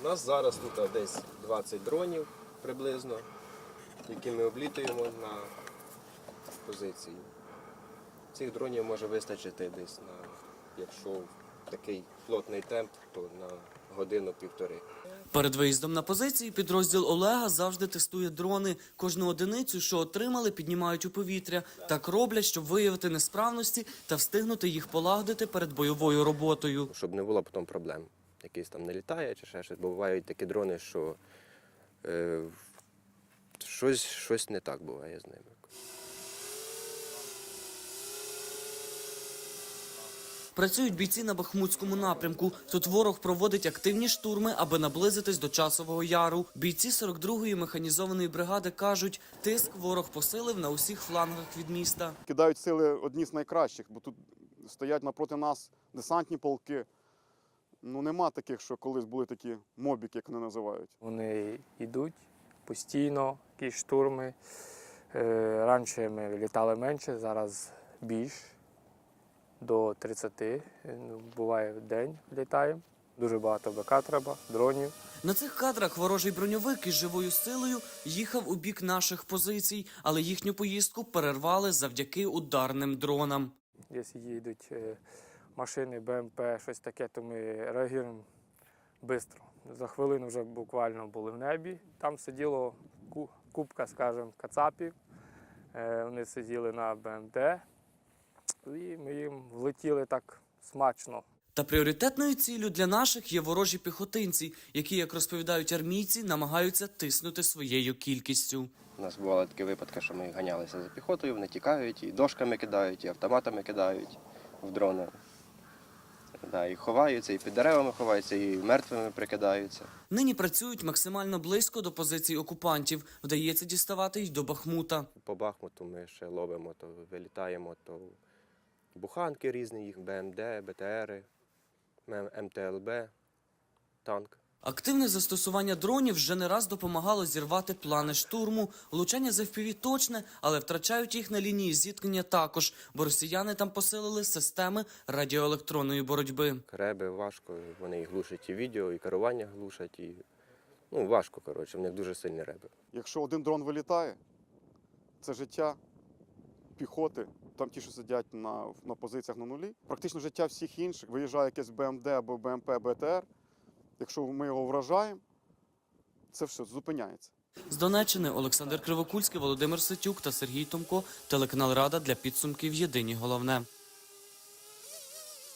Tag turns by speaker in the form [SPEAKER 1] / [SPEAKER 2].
[SPEAKER 1] У нас зараз тут десь 20 дронів приблизно, які ми облітуємо на позиції. Цих дронів може вистачити десь на, якщо такий плотний темп, то на годину-півтори.
[SPEAKER 2] Перед виїздом на позиції підрозділ Олега завжди тестує дрони. Кожну одиницю, що отримали, піднімають у повітря. Так роблять, щоб виявити несправності та встигнути їх полагодити перед бойовою роботою.
[SPEAKER 1] Щоб не було потім проблем. Якийсь там не літає чи ще щось. Бо бувають такі дрони, що щось не так буває з ними.
[SPEAKER 2] Працюють бійці на Бахмутському напрямку. Тут ворог проводить активні штурми, аби наблизитись до Часового Яру. Бійці 42-ї механізованої бригади кажуть, тиск ворог посилив на усіх флангах від міста.
[SPEAKER 3] Кидають сили одні з найкращих, бо тут стоять напроти нас десантні полки. Ну нема таких, що колись були такі мобіки, як вони називають.
[SPEAKER 4] Вони йдуть постійно, якісь штурми. Раніше ми літали менше, зараз більш. До 30, буває в день літаємо. Дуже багато БК треба, дронів.
[SPEAKER 2] На цих кадрах ворожий броньовик із живою силою їхав у бік наших позицій, але їхню поїздку перервали завдяки ударним дронам.
[SPEAKER 4] Якщо їдуть машини, БМП, щось таке, то ми реагуємо швидко. За хвилину вже буквально були в небі. Там сиділо купка, скажімо, кацапів. Вони сиділи на БМД. І ми їм влетіли так смачно.
[SPEAKER 2] Та пріоритетною ціллю для наших є ворожі піхотинці, які, як розповідають армійці, намагаються тиснути своєю кількістю.
[SPEAKER 1] У нас бували такі випадки, що ми ганялися за піхотою, вони тікають, і дошками кидають, і автоматами кидають в дрони. Да, і ховаються, і під деревами ховаються, і мертвими прикидаються.
[SPEAKER 2] Нині працюють максимально близько до позицій окупантів. Вдається діставати й до Бахмута.
[SPEAKER 1] По Бахмуту ми ще ловимо, то вилітаємо, то буханки різні, їх БМД, БТРи, МТЛБ, танк.
[SPEAKER 2] Активне застосування дронів вже не раз допомагало зірвати плани штурму. Влучання з FPV точне, але втрачають їх на лінії зіткнення також, бо росіяни там посилили системи радіоелектронної боротьби.
[SPEAKER 1] Реби важко, вони і глушать і відео, і керування глушать, і важко, коротше, в них дуже сильні реби.
[SPEAKER 3] Якщо один дрон вилітає, це життя піхоти, там ті, що сидять на позиціях на нулі. Практично життя всіх інших. Виїжджає якесь БМД або БМП, БТР. Якщо ми його вражаємо, це все зупиняється.
[SPEAKER 2] З Донеччини Олександр Кривокульський, Володимир Ситюк та Сергій Томко. Телеканал Рада для підсумків «Єдині головне».